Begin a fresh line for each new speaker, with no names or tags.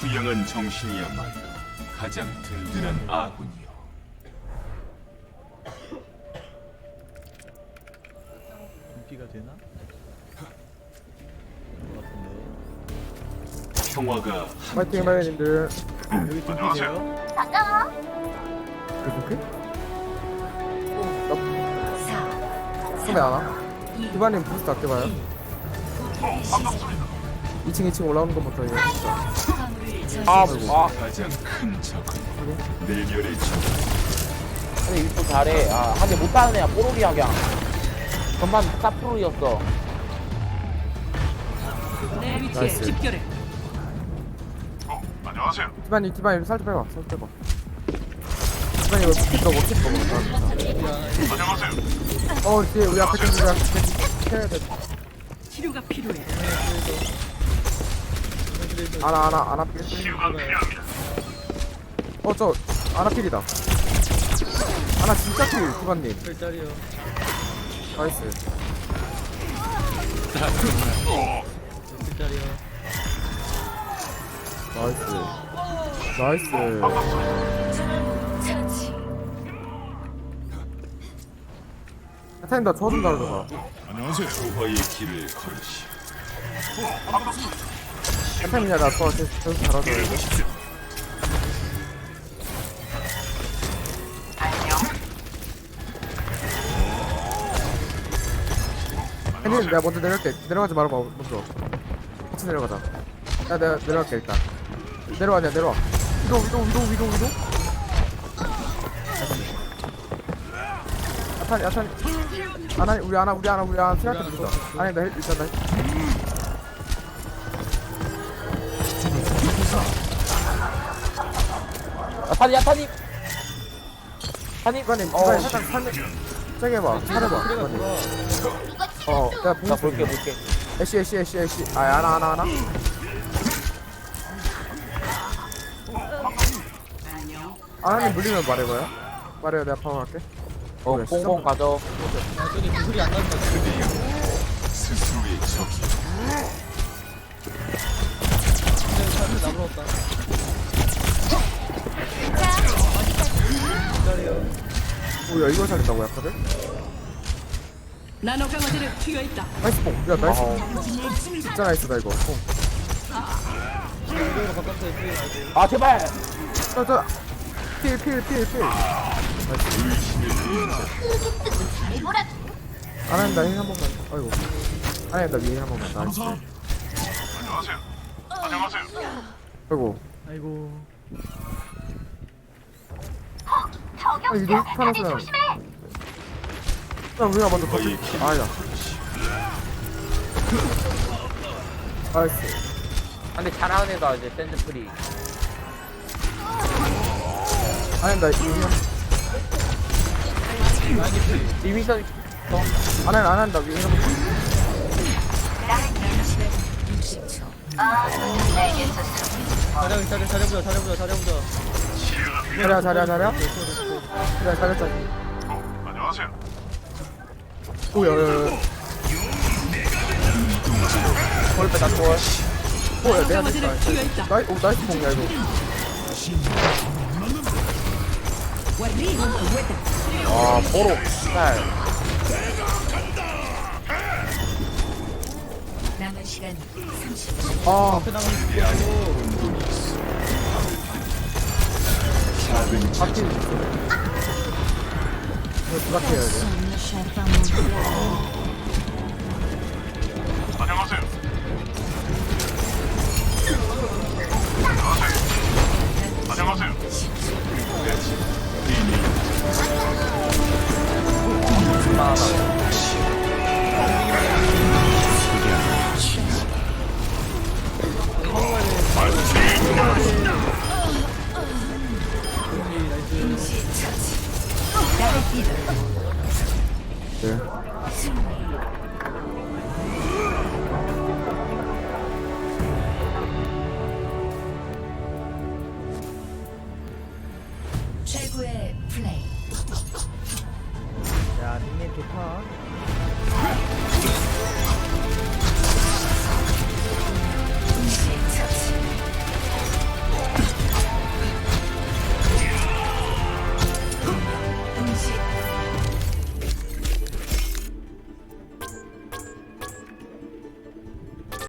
후영한 정신이야말로 가장 든든한 아군이요.
인기가 되나?
평화가
파이팅 마이님들.
여기 인기세요?
이렇게? 소매 안 와? 이반님 부스트 아껴봐요. 2층 올라오는 것부터 이거
가장 큰 적은 내면의 적.
근데 이거 잘해. 아, 하게 못하는 애야. 뽀로리야, 그냥. 전반 다 프로였어.
내 위치에
나이스.
집결해.
디바님 살짝 빼봐. 살짝 빼봐. 디바님 이거 스킵 들어보 뒤에 우리 앞에 좀 해야 돼.
치료가 필요해.
아나 필. 저 아나 필이다. 아나 진짜 필 디바님.
별짜리요.
나이스.
별짜리요.
나이스. 타임 나 저좀 다르다.
조화의 길을 걸으시.
타임이야 나저 잘하더라고. 혜님 내가 먼저 내려갈게. 내려가지 말아봐 먼저. 같이 내려가자. 야 내가 내려갈게 일단. 내려와. 위도. 야탄. 우리 아나 생각해 보자. 아니 나 일단 나.
타니, 타니. 타니.
이관님 살짝 세게 해봐. 잘해봐. 이관님. 내가
나
보고
볼게.
애쉬. 아나. 아나님 물리면 말해봐요. 말해요. 내가 파워 할게.
뽕뽕 가져.
아, 저기 구슬이 안 나는 것 같아.
스스로의 적이.
사람들 나불었다. 별짜리요.
오야 이걸 살린다고 약하들?
나노 강화제를 투여 있다.
나이스 뽕. 야 나이스 뽕. 진짜 나이스다 이거. 뽕.
이쪽으로 바꿨어요. 이쪽으로 가야 돼.
아, 제발.
필. 아나님 나힐 한 번만. 아이고. 아나님 나 위에 한 번만. 나이스. 아이고.
아이고.
이거 하나서는. 우리가 먼저 터지. 아야. 나이스.
근데 잘하는 애가 이제 샌드 프리.
아나님 나 이거.
리미션.
아나님 나 위에 한 번. 잘해보자. 그래 잘했잖아. 오야.
골 빼다 골.
오야 내가
강화제를 투여 있다.
나이스 뽕이야 이거.
보로. 날.
남은 시간 30초.
아. 하필 이거 부탁해야 돼.